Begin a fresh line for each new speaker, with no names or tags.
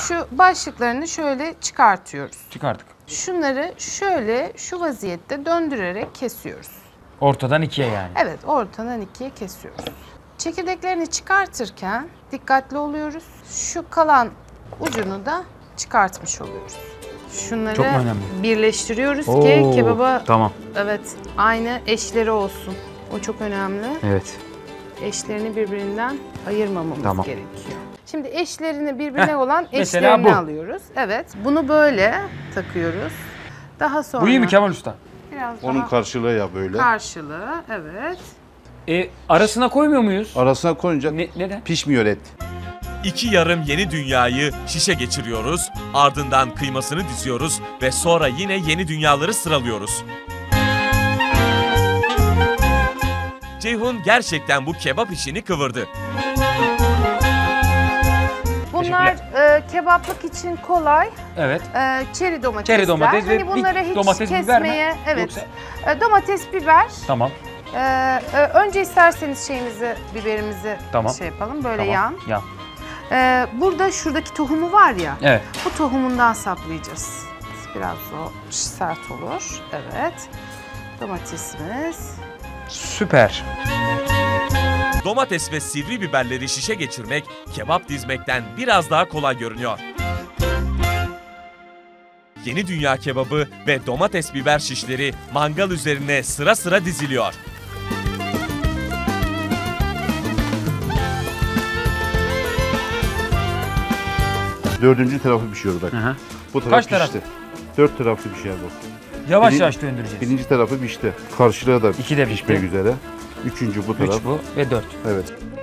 Şu başlıklarını şöyle çıkartıyoruz.
Çıkardık.
Şunları şöyle şu vaziyette döndürerek kesiyoruz.
Ortadan ikiye yani.
Evet, ortadan ikiye kesiyoruz. Çekirdeklerini çıkartırken dikkatli oluyoruz. Şu kalan ucunu da çıkartmış oluyoruz. Şunları
Çok mu önemli?
birleştiriyoruz
Oo,
ki kebaba
tamam.
evet aynı eşleri olsun. O çok önemli.
Evet.
Eşlerini birbirinden ayırmamamız
Tamam.
gerekiyor. Şimdi eşlerini birbirine olan
mesela
eşlerini
bu.
alıyoruz. Evet, bunu böyle takıyoruz. Daha sonra
Bu iyi mi Kemal Usta?
biraz
Onun
daha
karşılığı ya böyle.
karşılığı, evet.
Arasına koymuyor muyuz?
Arasına koyunca
Neden?
pişmiyor et.
2 yarım yeni dünyayı şişe geçiriyoruz, ardından kıymasını diziyoruz ve sonra yine yeni dünyaları sıralıyoruz. Ceyhun gerçekten bu kebap işini kıvırdı.
Bunlar kebaplık için kolay.
Evet.
Çeri domatesler.
Çeri domates ve
hani bunları hiç
domates, biber mi?
kesmeye, evet.
Yoksa-
Domates, biber.
Tamam.
Önce isterseniz biberimizi
Tamam.
şey yapalım. Böyle
Tamam.
yan. Burada şuradaki tohumu var ya.
Evet.
Bu tohumundan saplayacağız. Biraz o sert olur. Evet. Domatesimiz.
Süper.
Domates ve sivri biberleri şişe geçirmek kebap dizmekten biraz daha kolay görünüyor. Yeni dünya kebabı ve domates biber şişleri mangal üzerine sıra sıra diziliyor.
Dördüncü tarafı pişiyor bak.
Hı hı.
Bu taraf
Kaç
pişti.
taraf?
4 taraflı bir şey bu.
Yavaş
Biri-
yavaş döndüreceğiz.
Birinci tarafı pişti. Karşılığı da
İki de
pişmek
pişti.
üzere. Üçüncü bu taraf.
3 bu ve 4.
Evet.